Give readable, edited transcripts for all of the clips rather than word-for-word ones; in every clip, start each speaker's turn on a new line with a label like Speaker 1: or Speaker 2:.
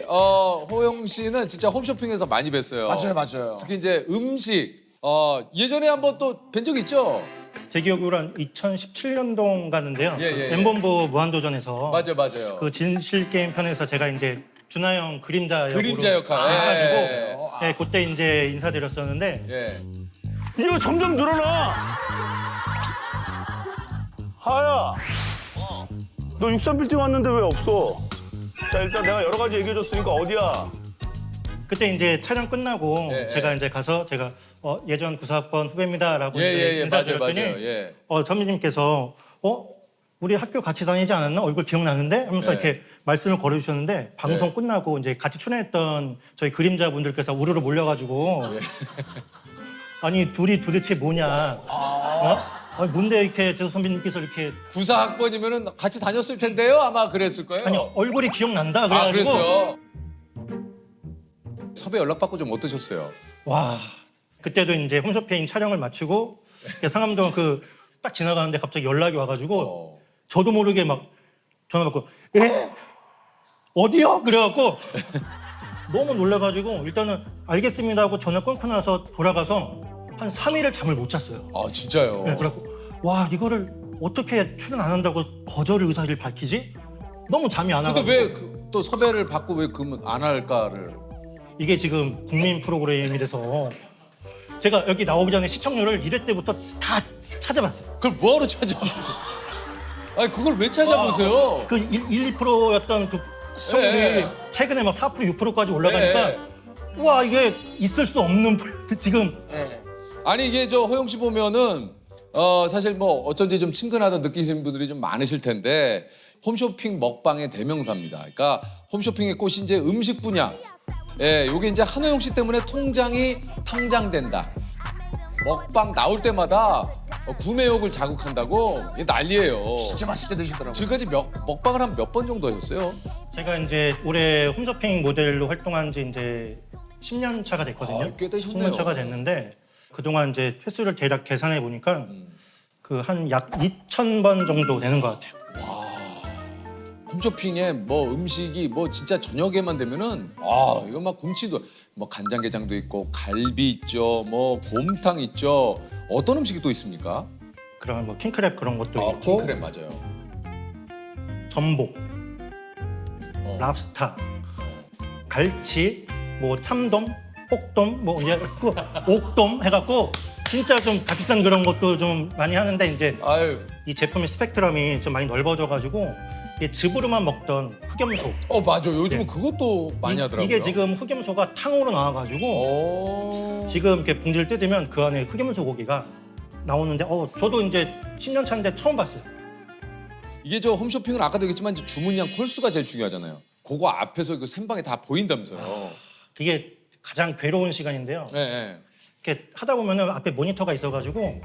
Speaker 1: 호영 씨는 진짜 홈쇼핑에서 많이 뵀어요.
Speaker 2: 맞아요, 맞아요.
Speaker 1: 특히 이제 음식 예전에 한번 또 뵌 적 있죠?
Speaker 3: 제 기억으로 한 2017년도 갔는데요.
Speaker 1: 예.
Speaker 3: 엠본부 무한도전에서
Speaker 1: 맞아요.
Speaker 3: 그 진실 게임 편에서 제가 이제 준하 형 그림자
Speaker 1: 그림자 역할.
Speaker 3: 해가지고 네, 그때 이제 인사드렸었는데
Speaker 1: 예.
Speaker 4: 이거 점점 늘어나. 하야. 너 63빌딩 왔는데 왜 없어? 자, 일단 내가 여러 가지 얘기해줬으니까 어디야?
Speaker 3: 그때 이제 촬영 끝나고
Speaker 1: 예,
Speaker 3: 제가 이제 가서 제가 예전 94학번 후배입니다라고 이제
Speaker 1: 예,
Speaker 3: 인사드렸더니
Speaker 1: 맞아요. 예.
Speaker 3: 선배님께서 우리 학교 같이 다니지 않았나? 얼굴 기억나는데? 하면서
Speaker 1: 네.
Speaker 3: 이렇게 말씀을 걸어주셨는데 방송 끝나고 이제 같이 출연했던 저희 그림자 분들께서 우르르 몰려가지고 아니 둘이 도대체 뭐냐? 아니, 뭔데 이렇게 제 선배님께서 이렇게
Speaker 1: 94학번이면은 같이 다녔을 텐데요. 아마 그랬을 거예요.
Speaker 3: 아니 얼굴이 기억난다
Speaker 1: 아,
Speaker 3: 그래가지고
Speaker 1: 그랬어요. 섭외 연락 받고 좀 어떠셨어요?
Speaker 3: 와 그때도 이제 홈쇼핑 촬영을 마치고 상암동 그 딱 지나가는데 갑자기 연락이 와가지고 저도 모르게 막 전화 받고 어디요? 그래갖고 너무 놀라가지고 일단은 알겠습니다 하고 전화 끊고 나서 돌아가서 한 3일을 잠을 못 잤어요.
Speaker 1: 아, 진짜요?
Speaker 3: 네, 그래갖고 와 이거를 어떻게 출연 안 한다고 거절 의사를 밝히지? 너무 잠이 안 와가지고
Speaker 1: 근데 왜 또 섭외를 받고 왜 그러면 안 할까를?
Speaker 3: 이게 지금 국민 프로그램이 돼서 제가 여기 나오기 전에 시청률을 1회 때부터 다 찾아봤어요.
Speaker 1: 그걸 뭐하러 찾아보세요? 아니 그걸 왜 찾아보세요?
Speaker 3: 그 1, 2%였던 그 시청률이
Speaker 1: 네.
Speaker 3: 최근에 막 4%, 6%까지 올라가니까
Speaker 1: 네.
Speaker 3: 와 이게 있을 수 없는 지금
Speaker 1: 아니 이게 저 호영 씨 보면은 사실 뭐 어쩐지 좀 친근하다 느끼시는 분들이 좀 많으실 텐데 홈쇼핑 먹방의 대명사입니다. 그러니까 홈쇼핑의 꽃이 이제 음식 분야. 예, 요게 이제 한호영 씨 때문에 통장이 탕장된다. 먹방 나올 때마다 구매욕을 자극한다고 이게 난리예요.
Speaker 2: 진짜 맛있게 드시더라고요.
Speaker 1: 지금까지 먹방을 한 몇 번 정도 하셨어요?
Speaker 3: 제가 이제 올해 홈쇼핑 모델로 활동한 지 이제 10년 차가 됐거든요.
Speaker 1: 아, 꽤 되셨네요.
Speaker 3: 10년 차가 됐는데 그동안 이제 횟수를 대략 계산해 보니까 그 한 약 2,000번 정도 되는 것 같아요.
Speaker 1: 홈쇼핑에 뭐 음식이 뭐 진짜 저녁에만 되면은 이거 막 곰치도 뭐 간장게장도 있고 갈비 있죠, 뭐 곰탕 있죠. 어떤 음식이 또 있습니까?
Speaker 3: 그런 뭐 킹크랩 그런 것도 있고
Speaker 1: 킹크랩 맞아요.
Speaker 3: 전복, 랍스타, 갈치, 뭐 참돔, 혹돔, 뭐 이제 그 옥돔 해갖고 진짜 좀 값비싼 그런 것도 좀 많이 하는데 이제
Speaker 1: 아유,
Speaker 3: 이 제품의 스펙트럼이 좀 많이 넓어져가지고 이게 즙으로만 먹던 흑염소
Speaker 1: 맞아. 요즘은 그것도 많이 하더라고요.
Speaker 3: 이게 지금 흑염소가 탕으로 나와가지고 지금 이렇게 봉지를 뜯으면 그 안에 흑염소 고기가 나오는데 저도 이제 10년 차인데 처음 봤어요.
Speaker 1: 이게 저 홈쇼핑은 아까도 얘기했지만 이제 주문량 콜수가 제일 중요하잖아요. 그거 앞에서 그 생방에 다 보인다면서요.
Speaker 3: 그게 가장 괴로운 시간인데요.
Speaker 1: 네.
Speaker 3: 이렇게 하다 보면은 앞에 모니터가 있어가지고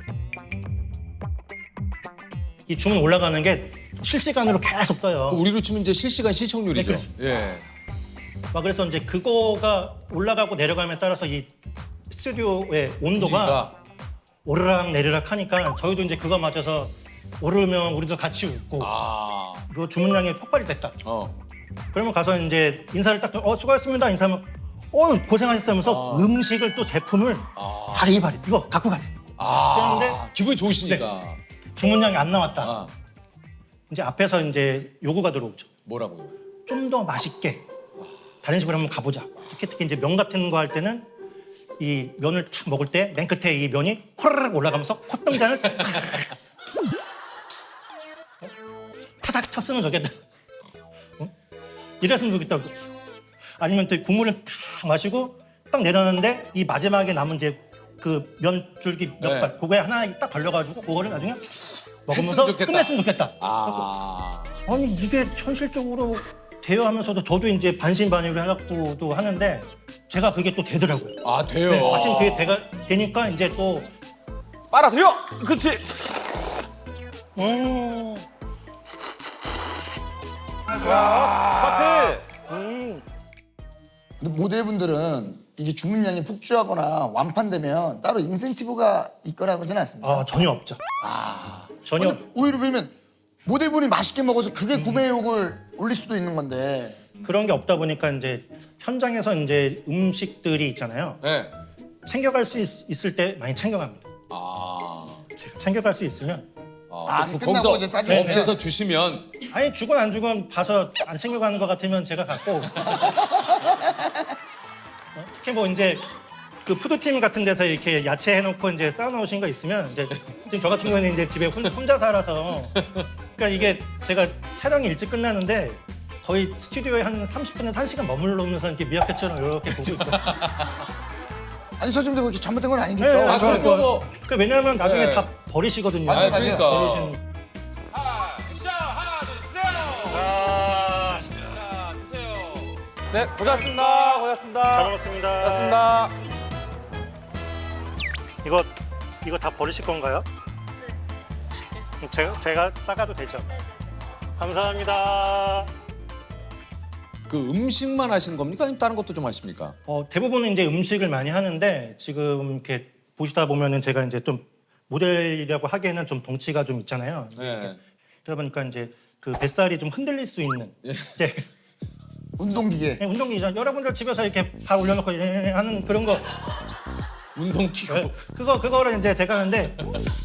Speaker 3: 이 주문 올라가는 게 실시간으로 계속 떠요.
Speaker 1: 우리로 치면 이제 실시간 시청률이죠.
Speaker 3: 네, 그렇죠.
Speaker 1: 예.
Speaker 3: 그래서 이제 그거가 올라가고 내려감에 따라서 이 스튜디오의 온도가 오르락 내리락 하니까 저희도 이제 그거 맞춰서 오르면 우리도 같이 웃고 그 주문량이 폭발이 됐다. 그러면 가서 이제 인사를 딱 수고하셨습니다 인사하면 고생하셨으면서 음식을 또 제품을 바리바리 이거 갖고 가세요. 그런데
Speaker 1: 기분이 좋으시니까.
Speaker 3: 주문량이 안 나왔다. 이제 앞에서 이제 요구가 들어오죠.
Speaker 1: 뭐라고요?
Speaker 3: 좀 더 맛있게 다른 집으로 한번 가보자. 특히 이제 면 같은 거 할 때는 이 면을 탁 먹을 때 맨 끝에 이 면이 호르륵 올라가면서 콧등잔을 타닥 쳤으면 좋겠다. 이랬으면 좋겠다. 아니면 또 국물을 탁 마시고 딱 내려놨는데 이 마지막에 남은 이제 그 면줄기 몇 발 그거에 하나 딱 걸려가지고 그거를 나중에 먹으면서 끝냈으면 좋겠다. 아니 이게 현실적으로 대여하면서도 저도 이제 반신반의를 해갖고도 하는데 제가 그게 또 되더라고요.
Speaker 1: 돼요.
Speaker 3: 네, 마침 그게 되니까 이제 또
Speaker 4: 빨아들여. 그렇지. 같아.
Speaker 2: 근데 모델분들은 이게 주문량이 폭주하거나 완판되면 따로 인센티브가 있거나 그러지는 않습니다.
Speaker 3: 전혀 없죠. 전혀
Speaker 2: 근데 오히려 보면 모델분이 맛있게 먹어서 그게 구매욕을 올릴 수도 있는 건데
Speaker 3: 그런 게 없다 보니까 이제 현장에서 이제 음식들이 있잖아요.
Speaker 1: 네.
Speaker 3: 챙겨갈 수 있을 때 많이 챙겨갑니다.
Speaker 1: 아.
Speaker 3: 제가 챙겨갈 수 있으면
Speaker 1: 또
Speaker 2: 끝나고 이제 싸주시면.
Speaker 1: 업체에서 주시면
Speaker 3: 아니 주건 안 주건 봐서 안 챙겨가는 것 같으면 제가 갖고 특히 뭐 이제 그 푸드팀 같은 데서 이렇게 야채 해놓고 이제 쌓아놓으신 거 있으면 이제 지금 저 같은 경우에는 이제 집에 혼자 살아서 그러니까 이게 제가 촬영이 일찍 끝나는데 거의 스튜디오에 한 30분에서 1시간 머물러면서 이렇게 미약캣처럼 이렇게 보고 있어요.
Speaker 2: 아니 선생님도 그렇게 잘못된 건 아니겠죠.
Speaker 3: 네,
Speaker 1: 아,
Speaker 3: 저는
Speaker 1: 그리고 뭐
Speaker 3: 그 왜냐하면 나중에
Speaker 1: 네.
Speaker 3: 다 버리시거든요.
Speaker 2: 맞아요, 맞아요.
Speaker 1: 그러니까
Speaker 3: 버리시는-
Speaker 5: 네, 고맙습니다. 고맙습니다.
Speaker 3: 잘 먹었습니다.
Speaker 5: 고맙습니다.
Speaker 3: 이거 다 버리실 건가요? 네. 제가 싸가도 되죠? 감사합니다.
Speaker 1: 그 음식만 하시는 겁니까? 아니면 다른 것도 좀 하십니까?
Speaker 3: 대부분은 이제 음식을 많이 하는데 지금 이렇게 보시다 보면은 제가 이제 좀 모델이라고 하기에는 좀 덩치가 좀 있잖아요.
Speaker 1: 네.
Speaker 3: 그러다 보니까 이제 그 뱃살이 좀 흔들릴 수 있는 이제
Speaker 2: 운동기계.
Speaker 3: 운동기죠. 여러분들 집에서 이렇게 발 올려놓고 이렇게 하는 그런 거
Speaker 1: 운동기구.
Speaker 3: 그거를 이제 제가 하는데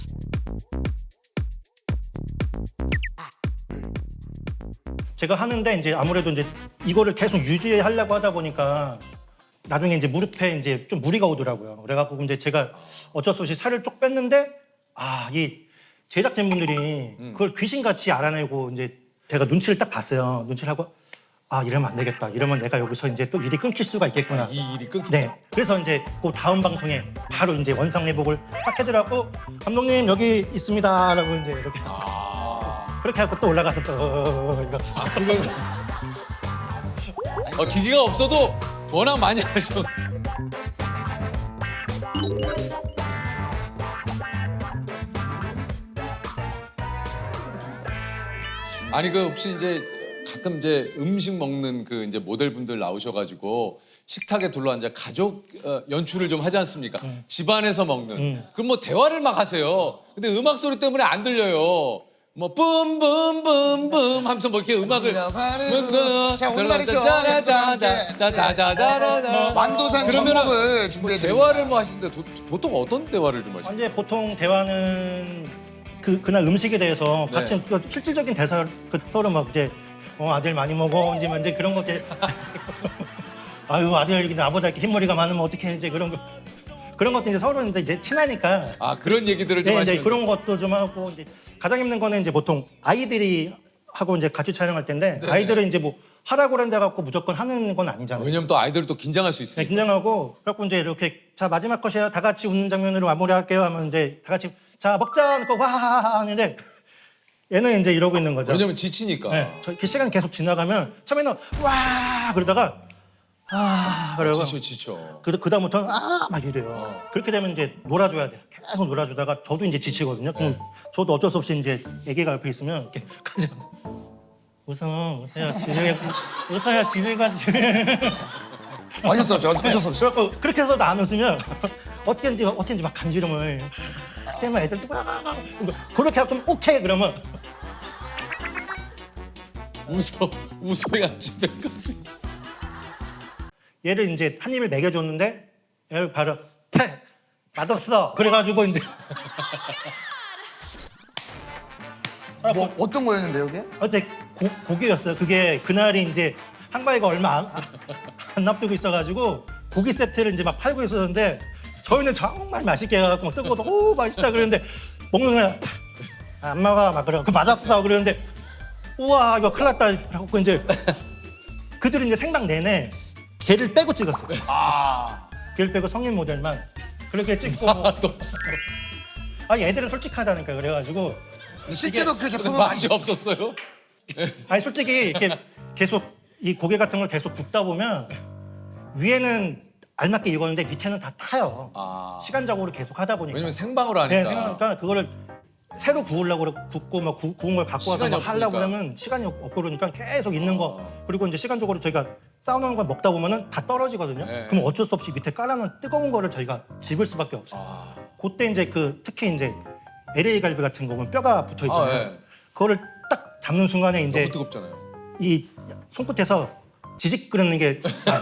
Speaker 3: 제가 하는데 이제 아무래도 이제 이거를 계속 유지하려고 하다 보니까 나중에 이제 무릎에 이제 좀 무리가 오더라고요. 그래갖고 이제 제가 어쩔 수 없이 살을 쭉 뺐는데 이 제작진분들이 그걸 귀신같이 알아내고 이제 제가 눈치를 딱 봤어요. 눈치를 하고 이러면 안 되겠다. 이러면 내가 여기서 이제 또 일이 끊길 수가 있겠구나.
Speaker 1: 이 일이 끊기.
Speaker 3: 네. 그래서 이제 그 다음 방송에 바로 이제 원상 회복을 딱 해더라고. 감독님 여기 있습니다라고 이제 이렇게 그렇게 하고 또 올라가서 또 이거.
Speaker 1: 기계가 없어도 워낙 많이 하셔. 아니 그 혹시 이제 가끔 이제 음식 먹는 그 이제 모델분들 나오셔가지고 식탁에 둘러앉아 가족 연출을 좀 하지 않습니까? 집안에서 먹는. 그럼 뭐 대화를 막 하세요. 근데 음악 소리 때문에 안 들려요. 뭐 뿜뿜뿜뿜 하면서 뭐 이렇게 음악을
Speaker 2: 자, 오늘날이죠.
Speaker 1: 다다다다다다다다다다
Speaker 2: 완도산
Speaker 1: 그러면은
Speaker 2: 전복을 준비해
Speaker 1: 대화를 뭐 하시는데 보통 어떤 대화를 좀 하시나요?
Speaker 3: 이제 보통 대화는 그날 음식에 대해서
Speaker 1: 네.
Speaker 3: 같이 그 실질적인 대사 서로 막 이제 아들 많이 먹어 이제 그런 거 이렇게 아유 아들 나보다 이렇게 흰머리가 많으면 어떻게 이제 그런 것도 이제 서로 이제 친하니까
Speaker 1: 그런 얘기들을 좀
Speaker 3: 네, 이제
Speaker 1: 하시는
Speaker 3: 그런 것도 좀 하고 이제 가장 힘든 거는 이제 보통 아이들이 하고 이제 같이 촬영할 텐데 아이들은 이제 뭐 하라고 그런데 갖고 무조건 하는 건 아니잖아요.
Speaker 1: 왜냐면 또 아이들은 또 긴장할 수
Speaker 3: 네,
Speaker 1: 있으니까.
Speaker 3: 긴장하고 그래갖고 이제 이렇게 자 마지막 컷이에요. 다 같이 웃는 장면으로 마무리할게요. 하면 이제 다 같이 자 먹자 하고 와하하 하는데 얘는 이제 이러고 있는 거죠.
Speaker 1: 왜냐면 지치니까.
Speaker 3: 네, 그 시간 계속 지나가면 처음에는 와 그러다가 그러고
Speaker 1: 지쳐.
Speaker 3: 그 다음부터는 막 이래요. 그렇게 되면 이제 놀아줘야 돼. 계속 놀아주다가 저도 이제 지치거든요. 그럼 저도 어쩔 수 없이 이제 애기가 옆에 있으면 이렇게 가져가서 웃어요 집에 웃어야 집에 가지.
Speaker 2: 어쩔 수 없죠. 어쩔 수 없죠.
Speaker 3: 그래갖고 그렇게 해서도 안 웃으면 어떻게인지 막 간지럼을 때문에 애들 또 그렇게 하면 오케이 그러면
Speaker 1: 웃어야 집에 가지.
Speaker 3: 얘를 이제 한 입을 먹여줬는데 얘를 바로 맛없어 그래가지고 이제
Speaker 2: 뭐 어떤 거였는데 여기?
Speaker 3: 어제 고기였어요. 그게 그날이 이제 한가위가 얼마 안 납두고 있어가지고 고기 세트를 이제 막 팔고 있었는데 저희는 정말 맛있게 해갖고 뜨거워도 오 맛있다 그러는데 먹는 거야 안 먹어 막 그러고 맛없어 그러는데 우와 이거 큰일 났다 하고 이제 그들은 이제 생방 내내 걔를 빼고 찍었어요. 걔를 빼고 성인 모델만 그렇게 찍고 얘들은 솔직하다니까 그래가지고
Speaker 2: 실제로 그 제품은
Speaker 1: 맛이 없었어요?
Speaker 3: 솔직히 이렇게 계속 이 고개 같은 걸 계속 굽다 보면 위에는 알맞게 익었는데 밑에는 다 타요. 시간적으로 계속 하다 보니까.
Speaker 1: 왜냐면 생방으로
Speaker 3: 네,
Speaker 1: 하니까.
Speaker 3: 생각하니까 그거를 새로 구우려고 굽고 막 구운 걸 갖고 와서
Speaker 1: 시간이
Speaker 3: 막 하려고
Speaker 1: 없으니까.
Speaker 3: 그러면 시간이 없고 그러니까 계속 있는 거 그리고 이제 시간적으로 저희가 쌓아놓은 걸 먹다 보면은 다 떨어지거든요.
Speaker 1: 네.
Speaker 3: 그럼 어쩔 수 없이 밑에 깔아놓은 뜨거운 거를 저희가 집을 수밖에 없어요. 그때 이제 특히 이제 LA 갈비 같은 거 보면 뼈가 붙어 있잖아요.
Speaker 1: 네.
Speaker 3: 그거를 딱 잡는 순간에 이제
Speaker 1: 너무 뜨겁잖아요.
Speaker 3: 이 손끝에서 지직 끓는 게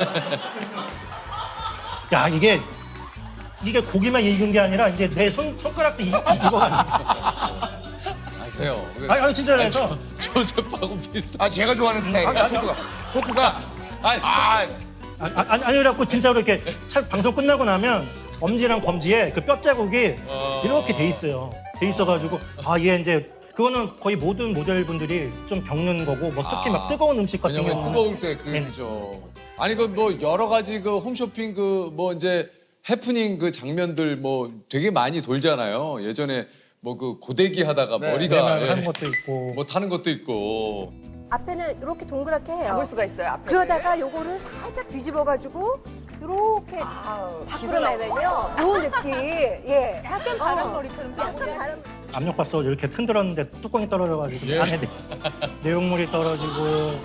Speaker 3: 야, 이게 고기만 익은 게 아니라 이제 내 손가락도 익어가지고.
Speaker 1: 아세요?
Speaker 3: 아니 진짜 그래서
Speaker 1: 조셉하고 비슷한.
Speaker 2: 아 제가 좋아하는 스타일이에요. 토크가.
Speaker 1: 아니,
Speaker 3: 아니 그래갖고 진짜로 이렇게 방송 끝나고 나면 엄지랑 검지에 그 뼈 자국이 이렇게 돼 있어요. 돼 있어가지고 얘 이제 그거는 거의 모든 모델분들이 좀 겪는 거고 뭐 특히 막 뜨거운 음식 같은
Speaker 1: 왜냐면
Speaker 3: 경우는
Speaker 1: 뜨거울 때 그죠. 아니 그 뭐 여러 가지 그 홈쇼핑 그 뭐 이제 해프닝 그 장면들 뭐 되게 많이 돌잖아요. 예전에 뭐 그 고데기 하다가 머리가
Speaker 3: 하는 것도 있고
Speaker 1: 뭐 타는 것도 있고.
Speaker 5: 앞에는 이렇게 동그랗게 해요.
Speaker 6: 잡을 수가 있어요. 앞에.
Speaker 5: 그러다가 요거를 살짝 뒤집어가지고 이렇게 밖으로 내면요. 요 느낌. 예.
Speaker 6: 약간 바람머리처럼
Speaker 5: 약간 다른.
Speaker 3: 압력밥솥 이렇게 흔들었는데 뚜껑이 떨어져가지고
Speaker 1: 예.
Speaker 3: 안에 내용물이 떨어지고.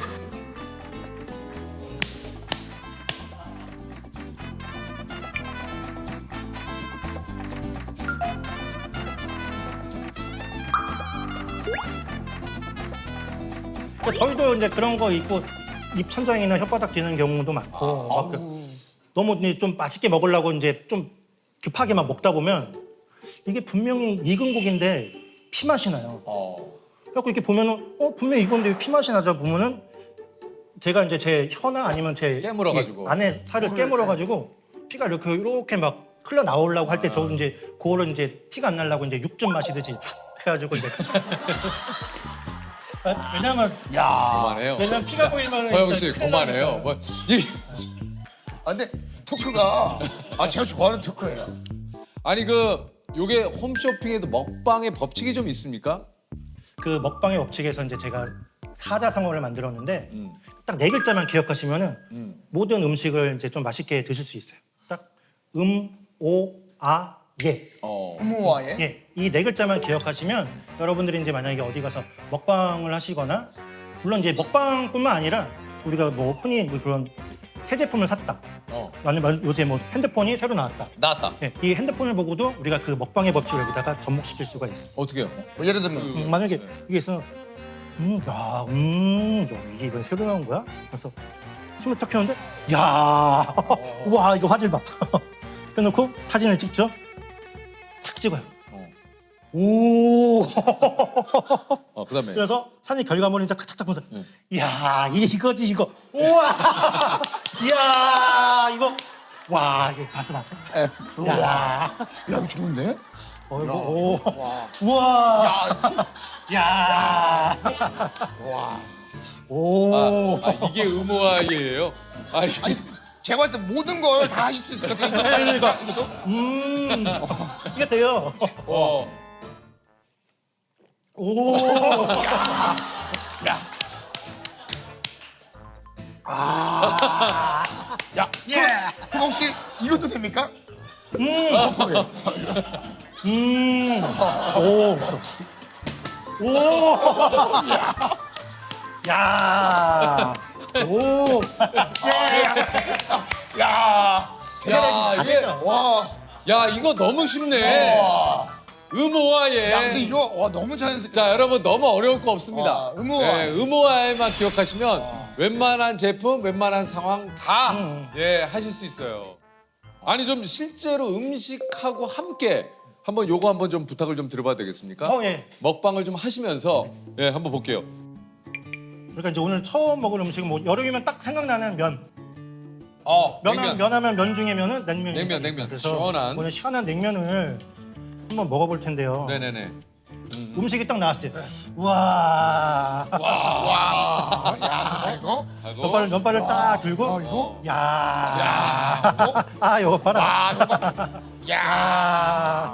Speaker 3: 그러니까 저희도 이제 그런 거 있고 입 천장이나 혓바닥 뒤는 경우도 많고 막 너무 이제 좀 맛있게 먹으려고 이제 좀 급하게 막 먹다 보면 이게 분명히 익은 고기인데 피 맛이 나요. 그래갖고 이렇게 보면은 분명히 익었는데 왜 피 맛이 나자 보면은 제가 이제 제 혀나 아니면 제
Speaker 1: 깨물어가지고.
Speaker 3: 이 안에 살을 깨물어가지고 피가 이렇게 막 흘러 나오려고 할 때 저 이제 그거를 이제 티가 안 나려고 이제 육즙 마시듯이 해가지고 이제 왜냐면
Speaker 1: 그만해요.
Speaker 3: 왜냐면 피가 보이면은
Speaker 1: 허영 씨
Speaker 3: 진짜 큰일
Speaker 1: 그만해요.
Speaker 3: 나니까.
Speaker 1: 뭐
Speaker 2: 근데 토크가 제가 좋아하는 토크예요.
Speaker 1: 아니 그 요게 홈쇼핑에도 먹방의 법칙이 좀 있습니까?
Speaker 3: 그 먹방의 법칙에서 이제 제가 사자성어를 만들었는데 딱 네 글자만 기억하시면은 모든 음식을 이제 좀 맛있게 드실 수 있어요. 딱 오, 아, 예.
Speaker 2: 음모와의.
Speaker 3: 예, 이 네 글자만 기억하시면 여러분들이 이제 만약에 어디 가서 먹방을 하시거나 물론 이제 먹방뿐만 아니라 우리가 뭐 흔히 뭐 그런 새 제품을 샀다. 아니면 요새 뭐 핸드폰이 새로 나왔다.
Speaker 1: 나왔다.
Speaker 3: 예, 이 핸드폰을 보고도 우리가 그 먹방의 법칙을 여기다가 접목시킬 수가 있어요.
Speaker 1: 어떻게요?
Speaker 2: 뭐 예를 들면
Speaker 3: 만약에 이게 있어, 야, 이게 이번 새로 나온 거야? 그래서 숨을 탁 켰는데, 야, 와, 이거 화질 봐. 그래놓고 사진을 찍죠. 탁 찍어요. 오.
Speaker 1: 그다음에
Speaker 3: 그래서 사진 결과물을 이제 탁탁탁 보면서, 야, 이거지 이거. 우와, 야, 이거. 와, 이거 봤어.
Speaker 2: 우와.
Speaker 3: 야,
Speaker 2: 야 이거 좋은데?
Speaker 3: 오, 우와, 야, 오.
Speaker 1: 이게 의무화예요?
Speaker 2: 아니 제가 봤을 때 모든 걸 다 하실 수 있을 것 같아요.
Speaker 3: 그러니까.
Speaker 2: 이것도?
Speaker 3: 이게 돼요. 오.
Speaker 2: 야, 그럼 혹시 이것도 됩니까?
Speaker 3: 오. 오. 야. 오.
Speaker 2: 야,
Speaker 1: 야, 이게
Speaker 2: 와,
Speaker 1: 야 이거 너무 쉽네. 의무화예.
Speaker 2: 야, 근데 이거 너무 자연스럽게.
Speaker 1: 자 여러분 너무 어려울 거 없습니다.
Speaker 2: 의무화.
Speaker 1: 예, 의무화에만 기억하시면 웬만한 제품, 웬만한 상황 다 하실 수 있어요. 아니 좀 실제로 음식하고 함께 한번 요거 한번 좀 부탁을 좀 드려봐도 되겠습니까?
Speaker 3: 예.
Speaker 1: 먹방을 좀 하시면서 한번 볼게요.
Speaker 3: 그러니까 이제 오늘 처음 먹을 음식은 뭐 여름이면 딱 생각나는 면.
Speaker 1: 냉면.
Speaker 3: 면하면 면 중에 면은 냉면.
Speaker 1: 냉면.
Speaker 3: 그래서
Speaker 1: 시원한.
Speaker 3: 오늘 시원한 냉면을 한번 먹어볼 텐데요.
Speaker 1: 네네네.
Speaker 3: 음식이 딱 나왔을 때, 와,
Speaker 2: 야, 이거?
Speaker 3: 면발을 딱 들고,
Speaker 2: 이거?
Speaker 3: 야,
Speaker 2: 이거?
Speaker 3: 이거 봐라.
Speaker 2: 아, 이거 봐. 야,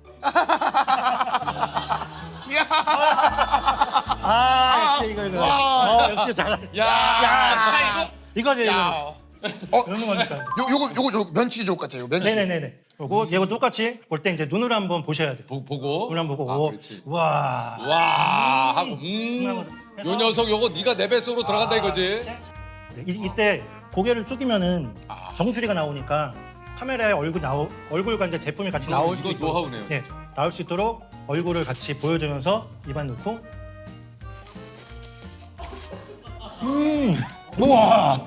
Speaker 3: 역시 이거. 역시 잘.
Speaker 1: 야,
Speaker 3: 이거지.
Speaker 2: 야.
Speaker 3: 이런 거니까.
Speaker 2: 요거 면치기 좋을 것 같아요. 면치기.
Speaker 3: 네네네네. 이거 똑같이 볼 때 이제 눈으로 한번 보셔야 돼요.
Speaker 1: 보고.
Speaker 3: 눈을 한번 보고,
Speaker 1: 아,
Speaker 3: 오,
Speaker 1: 그렇지.
Speaker 3: 와.
Speaker 1: 와 하고
Speaker 3: 하면서
Speaker 1: 요 녀석 요거 네가 내 뱃속으로 들어간다 이거지.
Speaker 3: 이때 고개를 숙이면은 정수리가 나오니까 카메라에 얼굴과 이제 제품이 같이 나올 수
Speaker 1: 이거
Speaker 3: 있도록
Speaker 1: 노하우네요,
Speaker 3: 네, 나올 수 있도록 얼굴을 같이 보여주면서 입안 넣고 우와.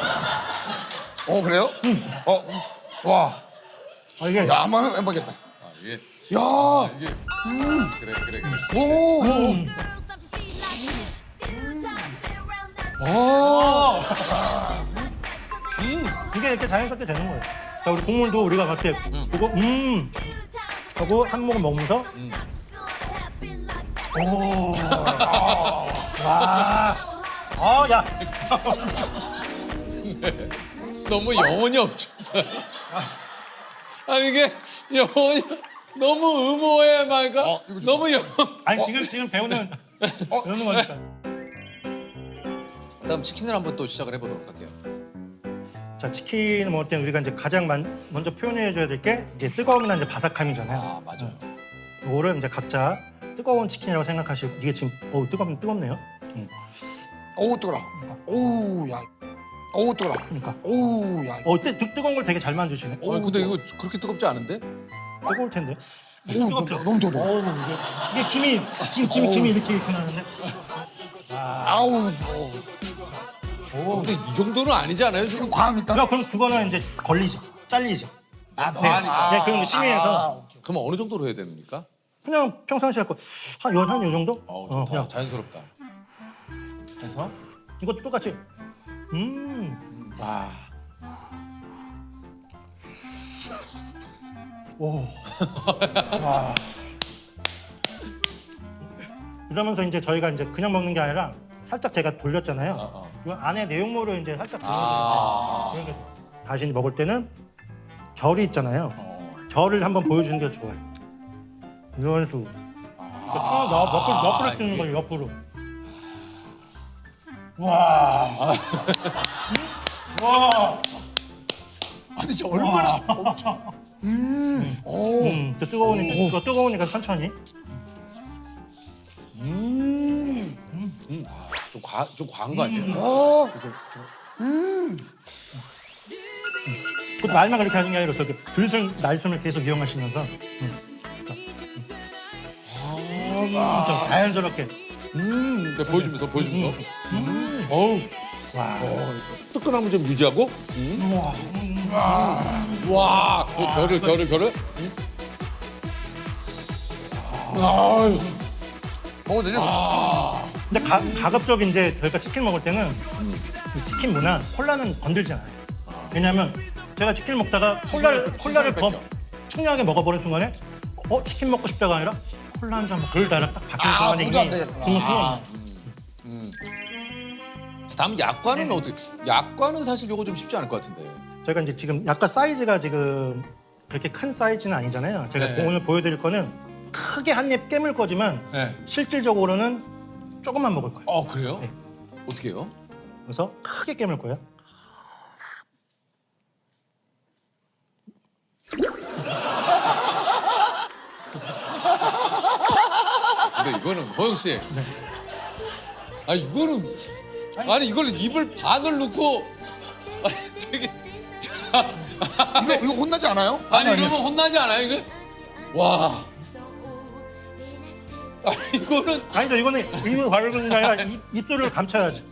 Speaker 2: 그래요? 와.
Speaker 3: 이게
Speaker 2: 야, 한번 해보겠다.
Speaker 1: 이게
Speaker 2: 야.
Speaker 1: 이게 그래.
Speaker 2: 오.
Speaker 3: 이게 이렇게 자연스럽게 되는 거예요. 자, 우리 국물도 우리가 그렇게 보고 하고 한 모금 먹으면서 오. 와. 야.
Speaker 1: 너무 영혼이 없죠. 아니 이게 영혼이 너무 의모해 말까?
Speaker 2: 이거 좋다.
Speaker 1: 너무 영.
Speaker 3: 아니 지금 배우는 거니까.
Speaker 1: 그다음 치킨을 한번 또 시작을 해보도록 할게요.
Speaker 3: 자, 치킨을 먹을 때는 우리가 이제 가장 먼저 표현해 줘야 될 게 이제 뜨거움이나 이제 바삭함이잖아요.
Speaker 1: 아 맞아요.
Speaker 3: 이거를 이제 각자 뜨거운 치킨이라고 생각하시고 이게 지금 뜨겁네요.
Speaker 2: 오, 뜨거라. 오, 야. 오, 뜨거라.
Speaker 3: 그러니까.
Speaker 2: 오, 야.
Speaker 3: 뜨거운 걸 되게 잘 만드시네.
Speaker 1: 근데 이거 그렇게 뜨겁지 않은데?
Speaker 3: 뜨거울 텐데.
Speaker 2: 오, 너무 뜨거워.
Speaker 3: 이게 김이 이렇게 나는데.
Speaker 2: 아우.
Speaker 1: 근데 이 정도는 아니지 않아요?
Speaker 2: 이거
Speaker 1: 지금
Speaker 2: 과합니까?
Speaker 3: 야, 그럼 그거는 이제 걸리죠. 잘리죠.
Speaker 1: 과하니까.
Speaker 3: 네, 그럼 심의해서
Speaker 1: 그럼 어느 정도로 해야 됩니까?
Speaker 3: 그냥 평상시에 갖고 한요 정도?
Speaker 1: 좋다.
Speaker 3: 그냥
Speaker 1: 자연스럽다. 해서
Speaker 3: 이것도 똑같이. 와. 오. 와. 이러면서 이제 저희가 이제 그냥 먹는 게 아니라 살짝 제가 돌렸잖아요. 이 안에 내용물을 이제 살짝 돌려서 그러니까 다시 먹을 때는 결이 있잖아요. 결을 한번 보여주는 게 좋아요. 이런 식으로. 옆으로 쓰는 거예요. 옆으로. 와. 와.
Speaker 2: 아니, 저 얼마나 엄청.
Speaker 3: 뜨거우니까 천천히.
Speaker 1: 좀 과한 거 아니에요?
Speaker 3: 그 말만 그렇게 하는 게 아니라 저렇게 들숨 날숨을 계속 이용하시면서 좀 자연스럽게.
Speaker 1: 네, 보여주면서. 어우.
Speaker 3: 와.
Speaker 1: 뜨끈함을 좀 유지하고. 와. 그 결을.
Speaker 2: 먹어도 되죠?
Speaker 3: 근데 가급적 이제 저희가 치킨 먹을 때는 이 치킨 문화 콜라는 건들지 않아요. 왜냐하면 제가 치킨 먹다가 콜라를 더 청량하게 먹어버린 순간에 치킨 먹고 싶다가 아니라 콜라 한 잔 먹고 싶다가 딱 바뀌는 순간에
Speaker 2: 그거 안 되겠다.
Speaker 3: 중간
Speaker 1: 다음 약과는 어떻게? 약과는 사실 요거 좀 쉽지 않을 것 같은데.
Speaker 3: 저희가 이제 지금 약간 사이즈가 지금 그렇게 큰 사이즈는 아니잖아요. 제가
Speaker 1: 네.
Speaker 3: 오늘 보여드릴 거는 크게 한 입 깨물 거지만
Speaker 1: 네.
Speaker 3: 실질적으로는 조금만 먹을 거예요.
Speaker 1: 그래요?
Speaker 3: 네.
Speaker 1: 어떻게 해요?
Speaker 3: 그래서 크게 깨물 거예요.
Speaker 1: 근데 이거는 호영 씨. 아니 이거는 입을 반을 넣고 되게
Speaker 2: 이거 혼나지 않아요?
Speaker 1: 이러면 혼나지 않아요 이거? 와. 이거는
Speaker 3: 아니죠. 이거는 입을 바르는 게 아니라 입술을 감춰야지.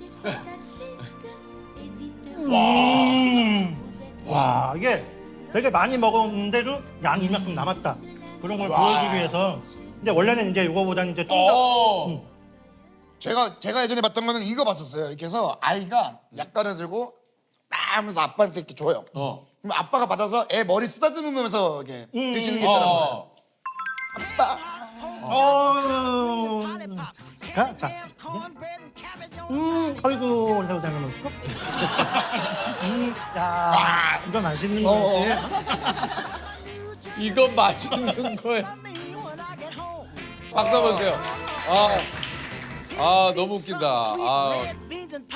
Speaker 3: 와, 이게 되게 많이 먹었는데도 양이 이만큼 남았다. 그런 걸 보여주기 위해서. 근데 원래는 이제 이거보다는 이제 좀 더.
Speaker 2: 제가 예전에 봤던 거는 이거 봤었어요. 이렇게 해서 아이가 약간을 들고 막 하면서 아빠한테 이렇게 줘요. 그럼 아빠가 받아서 애 머리 쓰다듬으면서 이렇게 드시는 게 있다는 거예요. 아빠.
Speaker 3: 자. 아이고, 올라오다 하면 야, 이거 맛있는 거지.
Speaker 1: 이거 맛있는 거예요. 박수 한번 주세요. 너무 웃긴다.